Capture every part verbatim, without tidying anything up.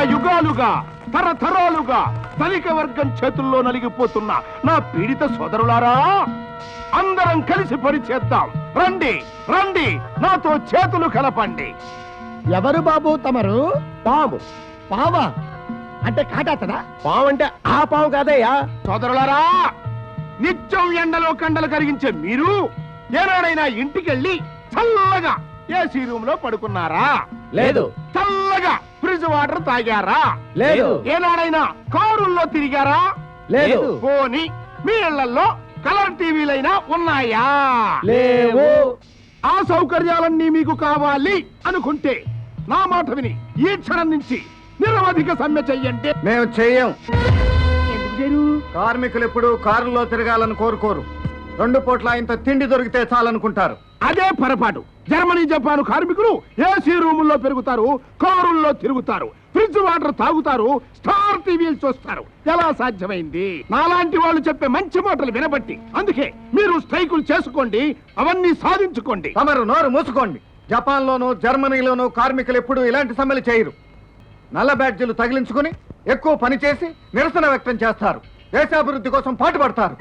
యుగాలుగా తరతరాలుగా ధనిక వర్గం చేతుల్లో నలిగిపోతున్న నా పీడిత సోదరులారా, అందరం కలిసి పని చేద్దాం. రండి రండి, నాతో చేతులు కలపండి. ఎవరు బాబు తమరు? పాము. పావా అంటే కాటాతడా? పాము అంటే ఆ పాము కాదయ్యా. సోదరులారా, నిత్యం ఎండలో కండలు కరిగించే మీరు ఏనాడైనా ఇంటికెళ్ళి చల్లగా ఏసీ రూమ్ లో పడుకున్నారా? లేదు. చల్లగా ఫ్రిడ్జ్ వాటర్ తాగారా? లేదు. ఏనాడైనా కారుల్లో తిరిగారా? లేదు. పోనీ మీ ఇళ్లలో కలర్ టీవీలైనా ఉన్నాయా? లేవు. ఆ సౌకర్యాలన్నీ మీకు కావాలి అనుకుంటే నా మాట విని ఈ క్షణం నుంచి నిరవధిక సమ్మె చెయ్యండి. మేము చెయ్యం. ఎందుకు చేయరు? కార్మికులు ఎప్పుడు కారులో తిరగాలని కోరుకోరు. రెండు పూట్ల ఇంత తిండి దొరికితే చాలనుకుంటారు. అదే పొరపాటు. జర్మనీ జపాన్ కార్మికులు ఏసీ రూముల్లో పెరుగుతారు, కారుల్లో తిరుగుతారు, ఫ్రిడ్జ్ వాటర్ తాగుతారు, స్టార్ టీవీలు చూస్తారు. ఎలా సాధ్యమైంది? నాలాంటి వాళ్ళు చెప్పే మంచి మాటలు వినబట్టి. అందుకే మీరు స్ట్రైకులు చేసుకోండి, అవన్నీ సాధించుకోండి. తమరు నోరు మూసుకోండి. జపాన్ లోను జర్మనీలోను కార్మికులు ఎప్పుడు ఇలాంటి సమ్మెలు చేయరు. నల్ల బ్యాడ్జీలు తగిలించుకుని ఎక్కువ పని చేసి నిరసన వ్యక్తం చేస్తారు. దేశాభివృద్ధి కోసం పాటుపడతారు.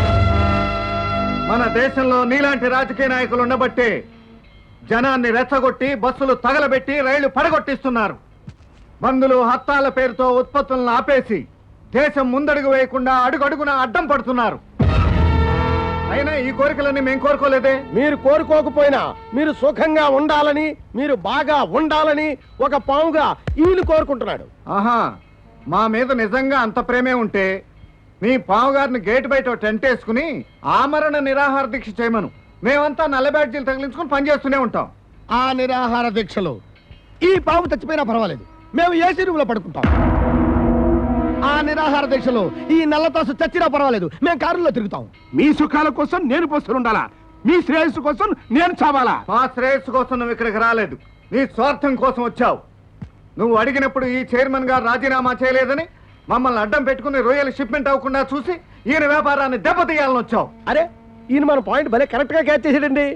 మన దేశంలో నీలాంటి రాజకీయ నాయకులు ఉండబట్టే జనాన్ని రెచ్చగొట్టి బస్సులు తగలబెట్టి రైళ్లు పడగొట్టిస్తున్నారు. బంధులు హత్తాల పేరుతో ఉత్పత్తులను ఆపేసి దేశం ముందడుగు వేయకుండా అడుగడుగున అడ్డం పడుతున్నారు. అయినా ఈ కోరికలన్నీ మేము కోరుకోలేదే. మీరు కోరుకోకపోయినా మీరు సుఖంగా ఉండాలని, మీరు బాగా ఉండాలని ఒక పాముగా ఈయన కోరుకుంటున్నాడు. ఆహా, మా మీద నిజంగా అంత ప్రేమే ఉంటే మీ పావుగారిని గేటు బయట టెంట్ వేసుకుని ఆమరణ నిరాహార దీక్ష చేయమను. మేమంతా నల్ల బ్యాడ్జీలు తగిలించుకుని పనిచేస్తూనే ఉంటాం. ఆ నిరాహార దీక్షలు ఈ పాము చచ్చిపోయినా పర్వాలేదు, మేము ఏసీ రూమ్ లో పడుకుంటాం. ఆ నిరాహార దీక్షలో ఈ నల్లతాసు చచ్చినా పర్వాలేదు, మేము కారులో తిరుగుతాం. మీ సుఖాల కోసం నేను పోస్తుండాలా? మీ శ్రేయస్సు కోసం నేను చావాలా? మా శ్రేయస్సు కోసం నువ్వు ఇక్కడికి రాలేదు, నీ స్వార్థం కోసం వచ్చావు. నువ్వు అడిగినప్పుడు ఈ చైర్మన్ గారు రాజీనామా చేయలేదని మమ్మల్ని అడ్డం పెట్టుకుని రొయ్యలు షిప్మెంట్ అవ్వకుండా చూసి ఈయన వ్యాపారాన్ని దెబ్బతీయాలని వచ్చావు. అరే, ఈయన మన పాయింట్ భలే కరెక్ట్ గా క్యాచ్ చేసాడండి.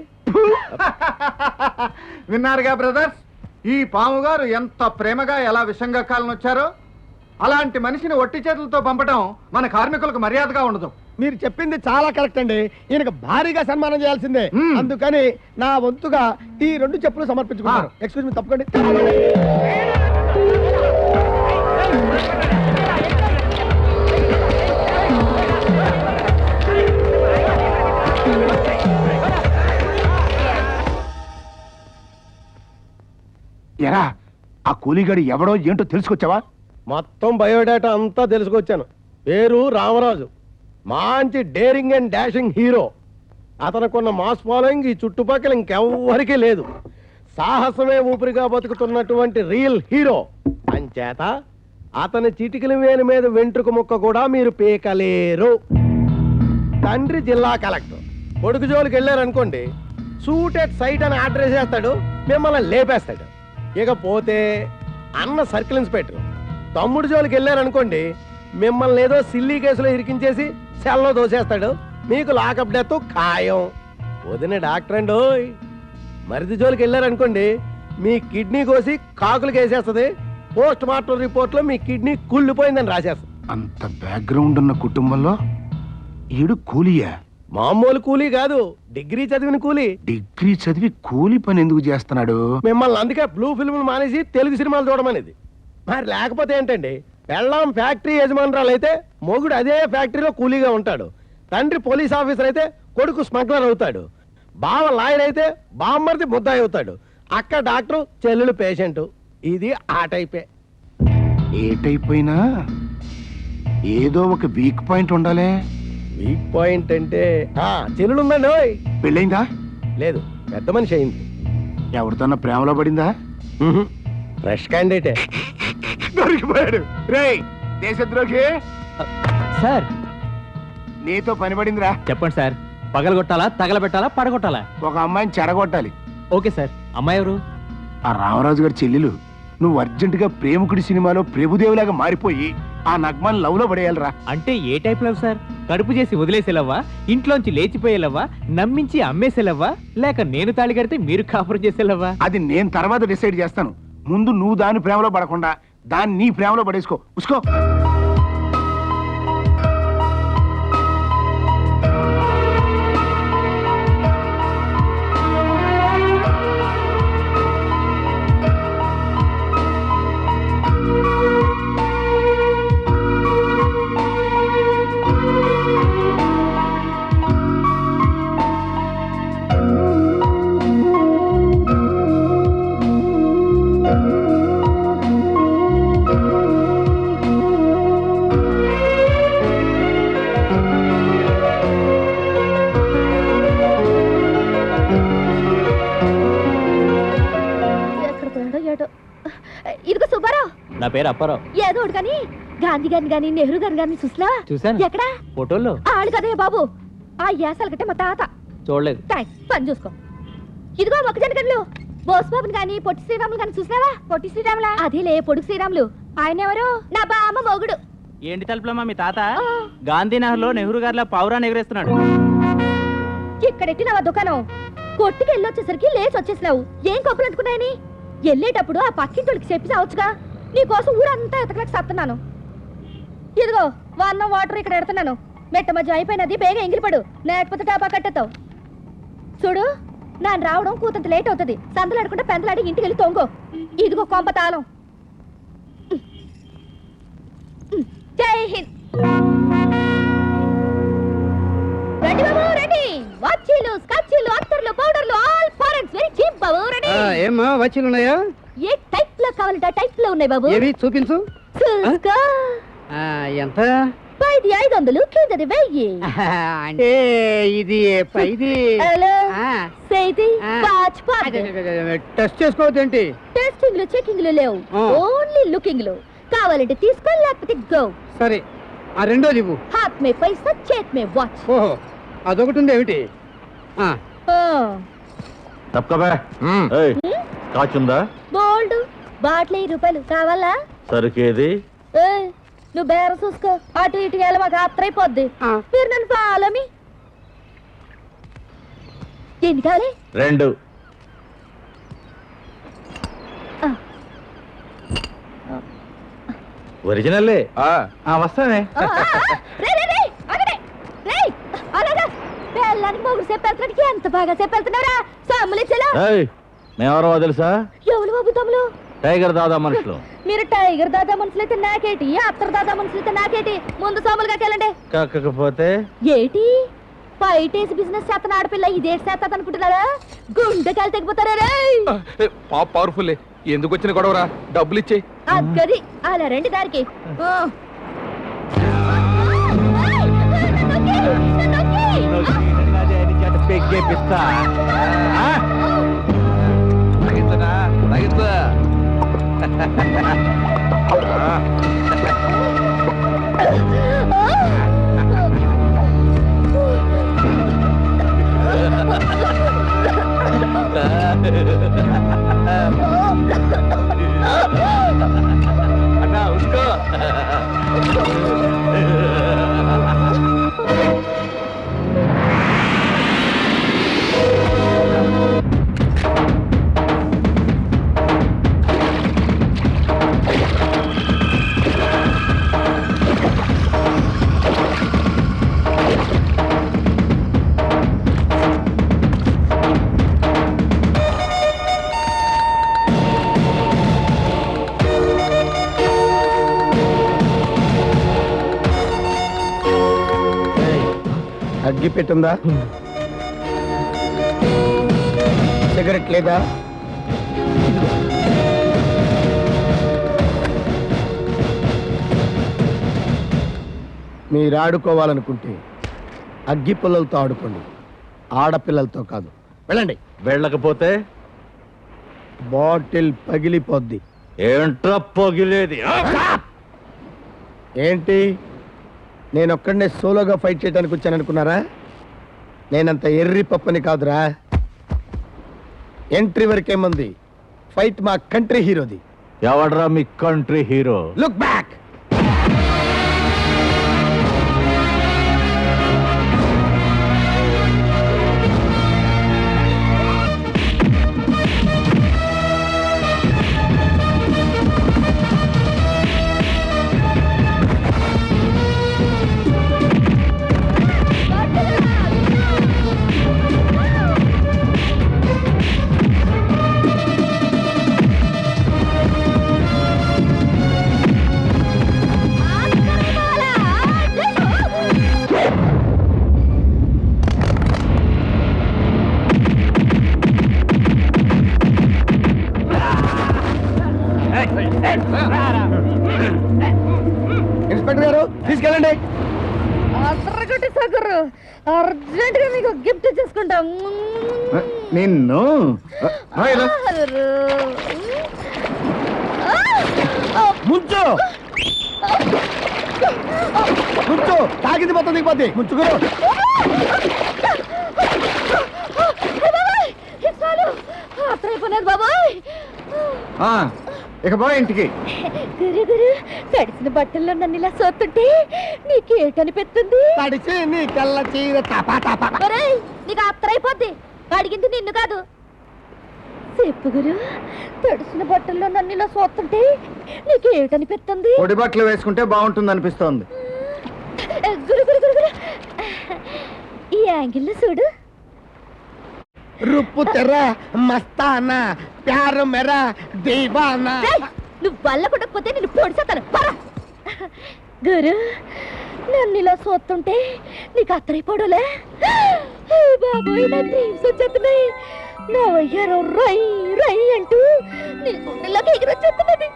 విన్నారుగా బ్రదర్స్, ఈ పాము గారు ఎంత ప్రేమగా ఎలా విషంగా కాలని వచ్చారో. అలాంటి మనిషిని ఒట్టి చేతులతో పంపడం మన కార్మికులకు మర్యాదగా ఉండదు. మీరు చెప్పింది చాలా కరెక్ట్ అండి. ఈయనకు భారీగా సన్మానం చేయాల్సిందే. అందుకని నా వంతుగా ఈ రెండు చెప్పులు సమర్పించుకున్నారు. Excuse me, తప్పకండి. ఎరా, ఆ కూలీగాడు ఎవడో ఏంటో తెలుసుకొచ్చావా? మొత్తం బయోడేటా అంతా తెలుసుకొచ్చాను. పేరు రామరాజు, మంచి డేరింగ్ అండ్ డాషింగ్ హీరో. అతనుకున్న మాస్ ఫాలోయింగ్ ఈ చుట్టుపక్కల ఇంకెవ్వరికీ లేదు. సాహసమే ఊపిరిగా బతుకుతున్నటువంటి రియల్ హీరో. అంచేత అతని చిటికల వేలు మీద వెంట్రుక ముక్క కూడా మీరు పీకలేరు. తండ్రి జిల్లా కలెక్టర్, కొడుకు జోలికి వెళ్ళారనుకోండి, సూట్ ఎట్ సైట్ అని ఆర్డర్ చేస్తాడు, మిమ్మల్ని లేపేస్తాడు. ఇకపోతే అన్న సర్కిల్ ఇన్స్పెక్టర్, తమ్ముడు జోలికి వెళ్ళారనుకోండి, మిమ్మల్ని ఏదో సిల్లీ కేసులో ఇరికించేసి సెల్లో దోసేస్తాడు, మీకు లాకప్ డెత్ ఖాయం. వదిన డాక్టర్ అండి, మరిది జోలికి వెళ్ళారనుకోండి, మీ కిడ్నీ కోసి కాకులు వేసేస్తుంది, పోస్ట్ మార్టం రిపోర్ట్ లో మీ కిడ్నీ కుళ్ళిపోయిందని రాసేస్తుంది. అంత బ్యాక్గ్రౌండ్ ఉన్న కుటుంబంలో ఈడు కూలీయా? మామూలు కూలీ కాదు, డిగ్రీ చదివిన కూలీ. డిగ్రీ చదివి కూలీ పని ఎందుకు చేస్తున్నాడు? మిమ్మల్ని అందుకే బ్లూ ఫిల్మ్ మానేసి తెలుగు సినిమాలు చూడమనేది. మరి లేకపోతే ఏంటండి, పెళ్ళాం ఫ్యాక్టరీ యజమానురాలు అయితే మొగుడు అదే ఫ్యాక్టరీలో కూలీగా ఉంటాడు, తండ్రి పోలీస్ ఆఫీసర్ అయితే కొడుకు స్మగ్లర్ అవుతాడు, బావ లాయర్ అయితే బామ్మర్ది ముద్దాయి అవుతాడు, అక్క డాక్టర్, చెల్లెలు పేషెంట్. ఇది ఆ టైపే. ఏ టైప్ అయినా ఏదో ఒక వీక్ పాయింట్ ఉండాలి. వీక్ పాయింట్ అంటే చెల్లెలు ఉందండి. ఓయ్, పెళ్ళైందా? లేదు, పెద్ద మనిషి అయింది. ఎవరితోన్నా ప్రేమలో పడిందా? ఫ్రెష్ క్యాండిడేటే. దొరికిపోయాడు. రేయ్ దేశద్రోహి సార్, నీతో పని పడిందిరా. చెప్పండి సార్, పగలగొట్టాలా, తగలబెట్టాలా, పడగొట్టాలా? ఒక అమ్మాయిని చెడగొట్టాలి. Okay sir. అమ్మాయి ఎవరు? ఆ రామరాజు గారి చెల్లెలు. నువ్వు అర్జెంటుగా ప్రేమికుడి సినిమాలో ప్రభుదేవులాగా మారిపోయి ఆ నగ్మాన్ లవ్ లో పడేయాలరా. అంటే ఏ టైప్ లవ్ సార్? కడుపు చేసి వదిలేసేలవ్వా, ఇంట్లోంచి లేచిపోయేలవ్వా, నమ్మించి అమ్మేసేలవ్వా, లేక నేను తాళి కడితే మీరు కాపురం చేసేలవ్వా? అది నేను తర్వాత డిసైడ్ చేస్తాను. ముందు నువ్వు దాని ప్రేమలో పడకుండా దాన్ని నీ ప్రేమలో పడేసుకో ఉసుకో. ఇదిగో సుబ్బారావు, నా పేరు అప్పారావు. ఏదో ఒకటి కానీ గాంధీ గారిని గాని నెహ్రూ గారిని గాని చూసినావా? చూశాను. ఎక్కడా? ఫోటోల్లో. ఆడు కదే బాబు, ఆ యాసల కట్టే మా తాత. చూడలేదు. థాంక్స్, పని చూసుకో. ఇదిగో మొక్కజొన్న గడ్లు, బోసుబాబుని గాని పొట్టి శ్రీరాములు గాని చూసినావా? పొట్టి శ్రీరాములా? అదేలే పొడుగు శ్రీరాములు. ఆయన ఎవరు? నా బామ్మ మొగుడు. ఏంటి తలుపులమ్మా మీ తాత? ఆ. గాంధీనగర్ లో నెహ్రూ గారిలా పావురాన్ని ఎగరేస్తున్నాడు. ఇక్కడెట్టినావా దుకాణం? కొట్టుకి వెళ్ళొచ్చేసరికి లేచి వచ్చేసినావు. ఏం కొప్పులు అంటుకున్నాయని వెళ్ళేటప్పుడు ఆ పక్కింటోళ్ళకి చెప్పి చావచ్చుగా. నీకోసం ఊరంతా ఎతకలేక సత్తున్నాను. ఇదిగో వన్నం వాటర్ ఇక్కడ ఎడుతున్నాను. మెట్ట మధ్య అయిపోయినది, బేగ ఎంగిలిపడు, లేకపోతే టాపా కట్టేస్తావు. చూడు, నాన్న రావడం కూతంత లేట్ అవుతుంది. సందలాడకుండా పెందలాడి ఇంటికి వెళ్ళి తొంగో. ఇదిగో కొంప తాళం. జై హింద్. రెడీ బాబు, రెడీ. వాచీలు, స్కాచీలు, అత్తర్లు, పౌడర్లు, ఆల్ ఫారెన్స్ వెరీ చీప్ బాబు. రెడీ. ఏమ్మా వచ్చీలు ఉన్నాయా? ఏ టైప్ లో కావాలంటే ఆ టైప్ లో ఉన్నాయి బాబు. ఏవి చూపించు. చూసుకో. ఆ, ఎంత? పైది ఐదు వందలు, కిందది వెయ్యి. అంటే ఇది పైది. హలో, ఆ, సేది ఆ. పాచ్ పాచ్. టెస్ట్ చేసుకోవద్దేంటి? టెస్టింగ్ లు, చెకింగ్ లు లేవు, ఆ. ఓన్లీ లుకింగ్ లు. కావాలంటే తీసుకో, లేకపోతే గో. సరే, ఆ రెండోది ఇవ్వు. హాత్ మే పైసా, చేత్ మే వాచ్. ఓహో, అదొకటి ఉంది ఏమిటి? ఆ, తప్పకబే కాచుందా? బోల్డ్ బాటిల్ ఐదు రూపాయలు కావాలా? సరుకేది? ఏయ్, నువ్వు బేర చూసుకో. అటు ఇటు వెళ్ళ మాకు ఆత్రైపోద్ది. ఆ. మీరు నన్ను పాలమి. ఎన్ని కావాలి? రెండు. ఆ. ఒరిజినల్లే. వస్తానే. ఆ, ఆ, ఆ. రేయ్, రేయ్, రేయ్, ఆగండి. రేయ్, అలాగా బెల్లానికి మొగుడు చెప్పేస్తున్నాడికి ఎంత బాగా చెప్పేస్తున్నారా? సమ్ములు ఇచ్చేలా. మేమెవరో తెలుసా? ఎవరు బాబు తమ్ములు? టైగర్ దాదా మనుషులు. మీరు టైగర్ దాదా మనుషులైతే నాకేటి, అత్తర్ దాదా మనుషులైతే నాకేటి. ముందు సోములుగా వెళ్ళండి. కాకపోతే ఏటి పైటేసి బిజినెస్ చేతన ఆడపిల్ల ఇదేటి చేత అనుకుంటున్నారా? గుండెకాయలు తెగిపోతారా రేయ్? పాప పవర్ఫుల్. ఎందుకు వచ్చిన గొడవరా? డబ్బులు ఇచ్చే. అగ్గది అలా రండి దారికి. ఓ. పెగ్గేపిస్తా. తగ్గించనా? తగ్గించా. అన్నా ఉసుకో. అగ్గి పెట్టుందా? సిగరెట్ లేదా? మీరు ఆడుకోవాలనుకుంటే అగ్గి పుల్లలతో ఆడుకోండి, ఆడపిల్లలతో కాదు. వెళ్ళండి. వెళ్ళకపోతే బాటిల్ పగిలిపోద్ది. ఏంట్రా పొగిలేది? ఏంటి, నేను ఒక్కడనే సోలోగా ఫైట్ చేయడానికి వచ్చాను అనుకున్నారా? నేనంత ఎర్రి పప్పని కాదురా. ఎంట్రీ వరకేముంది, ఫైట్ మా కంట్రీ హీరోది. ఎవడ్రా మీ country hero? Look back. Inspector గారు తీసుకెళ్ళండి. అర్రగొట్టి సగరు అర్జెంట్ గా మీకు గిఫ్ట్ చేసుకుంటాం. నిన్ను రా ఇలా. ముంచు ముంచు తాగింది మొత్తం దిగిపోద్ది. ముంచుకురు. అత్రైపోయినది బాబాయ్. ఆ, ఇక బా ఇంటికి. గురు గురు తడిసిన బట్టల్లో నన్ను ఇలా సోతుంటే నీకేటనిపిస్తుంది? తడిచి నీ కళ్ళ చీర తపా తపా. ఒరేయ్, నీకు అత్రైపోద్ది. అడిగింది నిన్ను కాదు. చెప్పు గురు, తడిసిన బట్టల్లో నన్ను ఇలా సోతుంటే నీకేటనిపిస్తుంది? పొడి బట్టలు వేసుకుంటే బాగుంటుంది అనిపిస్తోంది. గురు గురు గురు గురు ఈ యాంగిల్లో చూడు. రుప్పు తెర మస్తానా ప్యారు మెరా దీవానా. ఏయ్, నువ్వు వల్ల కొట్టకపోతే నిన్ను పొడిసేస్తాను. పరా. గురు, నన్ను ఇలా సోతుంటే నీకు అత్తరైపోవడలే? బాబోయ్, నా డ్రీమ్స్ వచ్చేస్తున్నాయి. నా వయ్యారం రై రై అంటూ నీ గుండెలోకి ఎగిరొచ్చేస్తున్నది.